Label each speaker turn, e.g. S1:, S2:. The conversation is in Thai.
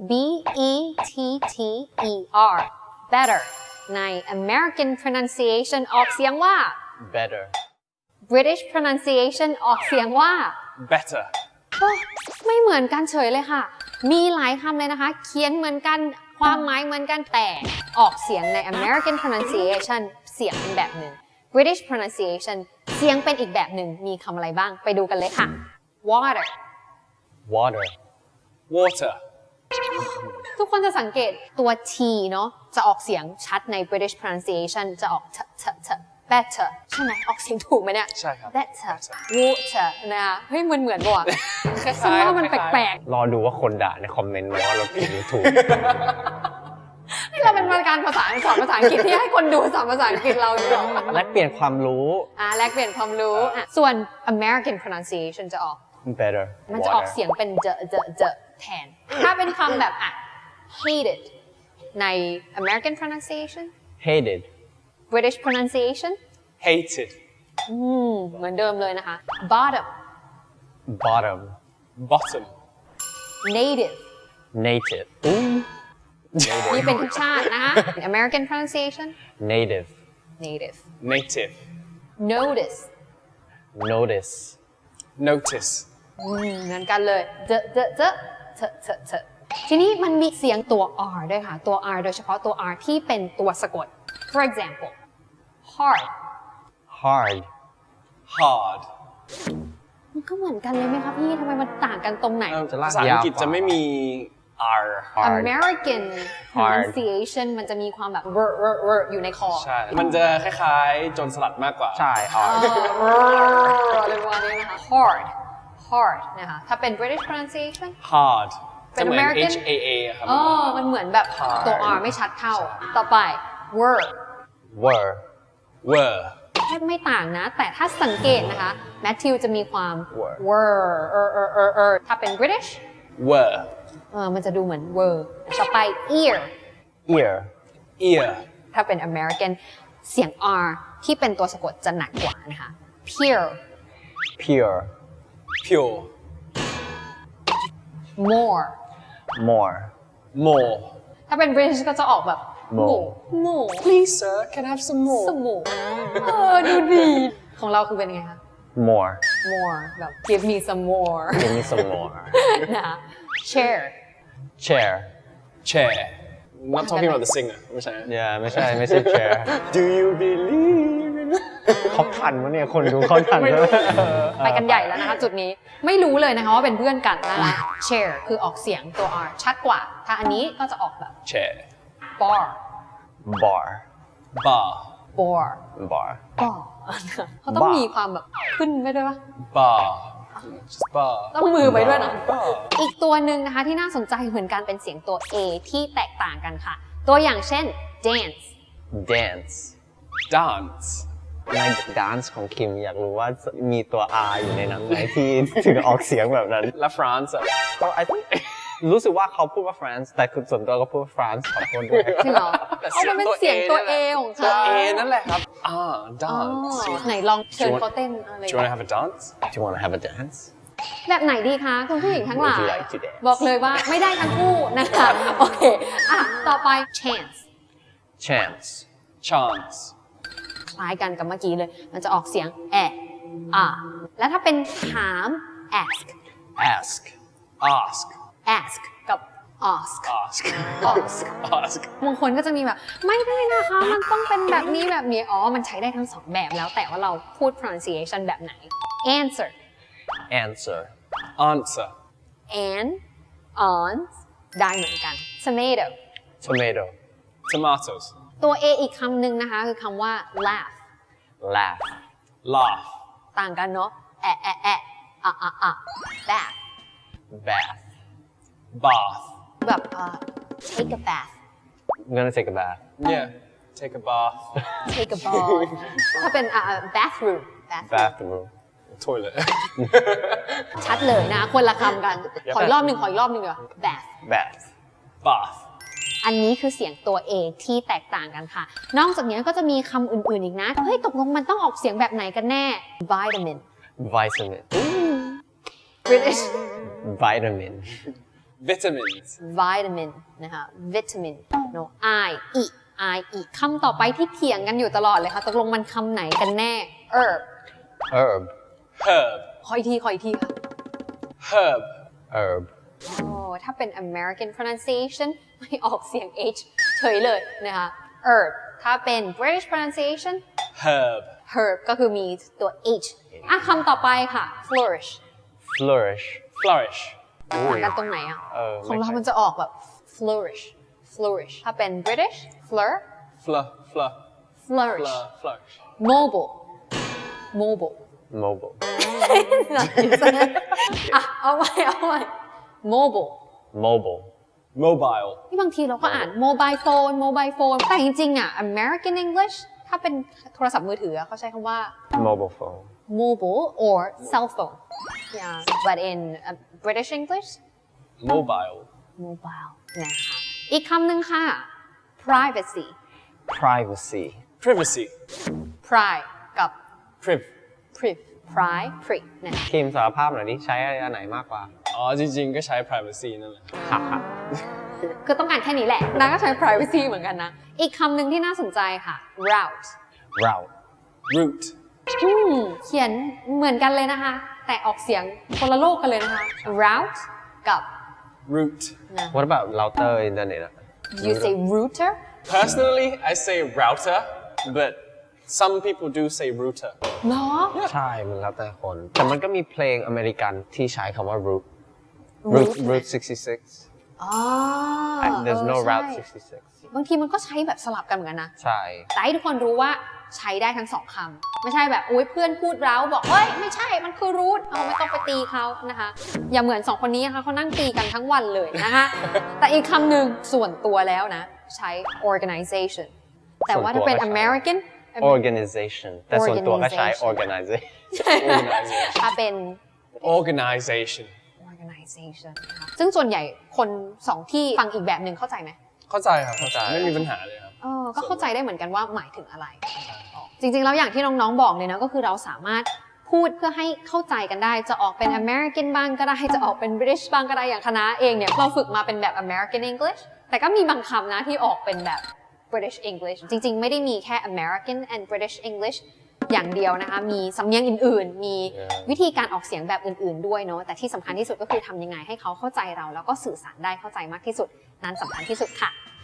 S1: B E T T E R better ใน American pronunciation ออกเสียงว่า
S2: better
S1: British pronunciation ออกเสียงว่า
S3: better
S1: ไม่เหมือนกันเฉยเลยค่ะ มีหลายคำเลยนะคะ เขียนเหมือนกัน ความหมายเหมือนกัน แต่ออกเสียงใน American pronunciation เสียงเป็นแบบหนึ่ง British pronunciation เสียงเป็นอีกแบบหนึ่ง มีคำอะไรบ้าง ไปดูกันเลยค่ะ water
S2: water
S3: water
S1: ทุกคนจะสังเกตตัว T เนาะ จะออกเสียงชัดใน British pronunciation จะออก better ใช่ไหม ออกเสียงถูกไหมเนี่ย
S3: ใช่ครับ
S1: better water นะคะเฮ้ยเหมือนป่ะ
S3: คล้ายๆ
S1: ฉันว่ามันแปลก
S2: รอดูว่าคนด่าในคอมเมนต์ไหมว่าเราผิดหรือถูก
S1: ๆนี่เราเป็นการภาษาสอนภาษาอังกฤษที่ให้คนดูสอนภาษาอังกฤษเราอยู่
S2: แลกเปลี่ยนความรู้
S1: แลกเปลี่ยนความรู้ส่วน American pronunciation จะออก
S2: better
S1: มันจะออก
S2: water
S1: เสียงเป็นเจแทน ถ้าเป็นคำแบบhated ใน American pronunciation
S2: hated
S1: British pronunciation
S3: hated
S1: เหมือนเดิมเลยนะคะ bottom
S2: bottom
S3: bottom
S1: native
S2: native
S1: นี่เป็นทุกชาตินะคะ American pronunciation
S2: native
S1: native
S3: native
S1: notice
S2: notice
S3: notice
S1: เหมือนกันเลยทีนี้มันมีเสียงตัว R ด้วยค่ะ ตัว R โดยเฉพาะตัว R ที่เป็นตัวสะกด for example hard
S2: hard
S3: hard
S1: มันก็เหมือนกันเลยไหมคะพี่ทำไมมันต่างกันตรงไหน
S2: จะลาก
S3: ภาษาอังกฤษ
S2: ยาวกว่า
S3: จะไม่มี R
S2: hard
S1: American pronunciation มันจะมีความแบบ อยู่ในคอ
S3: ใช่ มันจะคล้ายๆ โจรสลัดมากกว่า
S2: ใช่ hard
S1: อะไรประมาณนี้นะคะ hard นะคะ ถ้าเป็น British pronunciation
S3: hard
S1: เป็น
S3: จะเหมือน
S1: American
S3: H A A ครับ
S1: มันเหมือนแบบตัว R ไม่ชัดเท่า ต่อไป were
S2: were
S3: were
S1: แทบไม่ต่างนะ แต่ถ้าสังเกตนะคะแมทธิวจะมีความ
S2: were
S1: ถ้าเป็น British
S3: were
S1: มันจะดูเหมือน were ต่อไป ear
S2: ear
S3: ear
S1: ถ้าเป็น American เสียง R ที่เป็นตัวสะกดจะหนักกว่านะคะ pure
S2: pure
S3: pure
S1: more
S2: more
S3: more
S1: ถ้าเป็น British ก็จะออกแบบ
S2: more
S1: more
S3: please sir can I have some more
S1: สมูดูดีของเราคือเป็นไงคะ
S2: more
S1: more แบบ give me some more
S2: give me some more
S1: นะคะ chair
S2: chair
S3: chair not talking about the singer ไม่ใช่
S2: yeah ไม่ใช่ chair
S3: do you believe in
S2: เขาทันวะเนี่ยคนดูเขาทันแล้ว
S1: ไปกันใหญ่แล้วนะคะจุดนี้ไม่รู้เลยนะคะว่าเป็นเพื่อนกันนะคะ chair คือออกเสียงตัว R ชัดกว่า ถ้าอันนี้ก็จะออกแบบ
S3: chair
S1: bar
S2: bar
S3: bar
S1: bar
S2: bar
S1: bar เขาต้องมีความแบบขึ้นไปด้วยปะ
S3: bar just bar
S1: ต้องมือไปด้วยนะ
S3: bar
S1: อีกตัวหนึ่งนะคะที่น่าสนใจเหมือนกันเป็นเสียงตัว A ที่แตกต่างกันค่ะ ตัวอย่างเช่น dance
S2: dance
S3: dance
S2: ใน dance ของคิมอยากรู้ว่ามีตัว R อยู่ในนั้นไหมที่ถึงออกเสียงแบบนั้น
S3: และ France อะ
S2: ก็ I think รู้สึกว่าเขาพูดว่า France แต่คือส่วนตัวก็พูดว่า France ขอโทษด้วย
S1: จริงเหรอมันเป็นเสียงตัว A ของ
S3: ตัว
S1: เขา
S3: A นั่นแหละครับ
S1: อ๋อ
S3: dance
S1: ไหนลองเชิญเขาเต้นอะไร
S3: do you want to have a dance
S2: Do you want to have a dance
S1: แบบไหนดีคะคุณผู้หญิงทั้งหลาย
S2: Would you like to dance?
S1: บอกเลยว่าไม่ได้ทั้งคู่นะคะโอเคต่อไป chance
S2: chance
S3: chance
S1: คล้ายกันกับเมื่อกี้เลย มันจะออกเสียงแล้วถ้าเป็นถาม ask
S3: ask ask
S1: ask กับ ask
S3: ask
S1: ask
S3: ask
S1: บางคนก็จะมีแบบไม่ได้นะคะมันต้องเป็นแบบนี้แบบนี้มันใช้ได้ทั้งสองแบบแล้วแต่ว่าเราพูด pronunciation แบบไหน answer
S2: answer
S3: answer
S1: and on ได้เหมือนกัน tomato
S2: tomato
S3: tomatoes
S1: ตัว A อีกคำหนึ่งนะคะคือคำว่า laugh
S2: laugh
S3: laugh
S1: ต่างกันเนาะbath
S2: bath
S3: bath
S1: แบบ take a bath
S2: I'm gonna take a bath
S3: yeah take a bath
S1: take a bath ถ้าเป็นbathroom
S2: bathroom
S3: toilet
S1: ชัดเลยนะคนละคำกัน ขออีกรอบหนึ่งเดี๋ยว bath
S2: bath
S3: bath
S1: อันนี้คือเสียงตัว A ที่แตกต่างกันค่ะ นอกจากนี้ก็จะมีคำอื่นๆอีกนะ เฮ้ยตกลงมันต้องออกเสียงแบบไหนกันแน่ vitamin
S2: vitamin
S1: British
S2: vitamin
S3: Vitamins.
S1: vitamin นะคะ vitamin no I อีกคำต่อไปที่เถียงกันอยู่ตลอดเลยค่ะตกลงมันคำไหนกันแน่ herb
S2: herb
S3: Herb.
S1: ขออีกทีค่ะ
S3: Herb.
S2: herb
S1: โอ้ถ้าเป็น American pronunciation ไม่ออกเสียง H เฉยเลยนะคะ herb ถ้าเป็น British pronunciation
S3: Herb.
S1: herb ก็คือมีตัว H อ่ะคำต่อไปค่ะ flourish
S2: flourish
S3: Flourish.
S1: เหมือนกันตรงไหนอ่ะ ของเรามันจะออกแบบ flourish ถ้าเป็น British flourish
S3: Flourish.
S1: mobile
S2: mobile
S1: อ่ะเอาใหม่mobile
S2: mobile
S3: Mobile.
S1: ที่บางทีเราก็อ่าน mobile phone แต่จริงๆอ่ะ American English ถ้าเป็นโทรศัพท์มือถือเขาใช้คำว่า
S2: mobile phone
S1: mobile or cell phone yeah but in British English
S3: Mobile.
S1: mobile นะคะอีกคำหนึ่งค่ะ privacy
S2: privacy
S3: Privacy.
S1: pri กับ
S3: Priv.
S1: pri นะคะ
S2: คิมสารภาพหน่อยดิใช้อันไหนมากกว่า
S3: อ๋อจริงๆก็ใช้ privacy นั่นแหละ
S1: คือต้องการแค่นี้แหละนางก็ใช้ privacy เหมือนกันนะ อีกคำหนึ่งที่น่าสนใจค่ะ route
S2: route
S3: Root.
S1: เขียนเหมือนกันเลยนะคะ แต่ออกเสียงคนละโลกกันเลยนะคะ route กับ
S3: Root.
S2: what about router อินเทอร์เน็ตอะ
S1: you say router
S3: Personally, I say router, but some people do say router.
S1: เหรอ
S2: ใช่มันแล้วแต่คน แต่มันก็มีเพลงอเมริกันที่ใช้คำว่า route route 66
S1: อ๋อ
S2: there's no
S1: ใช่
S2: route 66
S1: บางทีมันก็ใช้แบบสลับกันเหมือนกันนะ
S2: ใช่
S1: แต่ให้ทุกคนรู้ว่าใช้ได้ทั้งสองคำไม่ใช่แบบอุ้ยเพื่อนพูดเราบอกเอ้ยไม่ใช่มันคือ root เอาไม่ต้องไปตีเขานะคะ อย่าเหมือนสองคนนี้นะคะเขานั่งตีกันทั้งวันเลยนะคะ แต่อีกคำหนึ่งส่วนตัวแล้วนะ ใช้ organization แต่ว่าถ้าเป็น American
S2: organization แต่ส่วนตัวก็ใช้ organization
S3: Organization.
S1: ถ้าเป็น
S3: Organization.
S1: organization นะคะซึ่งส่วนใหญ่คนสองที่ฟังอีกแบบหนึ่งเข้าใจไหม
S3: เข้าใจครับ
S2: เข้าใจ
S3: ไม่มีปัญหาเลยครับ
S1: ก็เข้าใจได้เหมือนกันว่าหมายถึงอะไร จริงๆ แล้วอย่างที่น้องๆ บอกเลยนะก็คือเราสามารถพูดเพื่อให้เข้าใจกันได้ จะออกเป็น American บ้างก็ได้ จะออกเป็น British บ้างก็ได้ อย่างคณะเองเนี่ยเราฝึกมาเป็นแบบ American English แต่ก็มีบางคำนะที่ออกเป็นแบบ British English จริงๆ ไม่ได้มีแค่ American and British English อย่างเดียวนะคะ มีสำเนียงอื่นๆ มีวิธีการออกเสียงแบบอื่นๆ ด้วยเนาะ แต่ที่สำคัญที่สุดก็คือทำยังไงให้เขาเข้าใจเราแล้วก็สื่อสารได้เข้าใจมากที่สุด นั้นสำคัญที่สุดค่ะ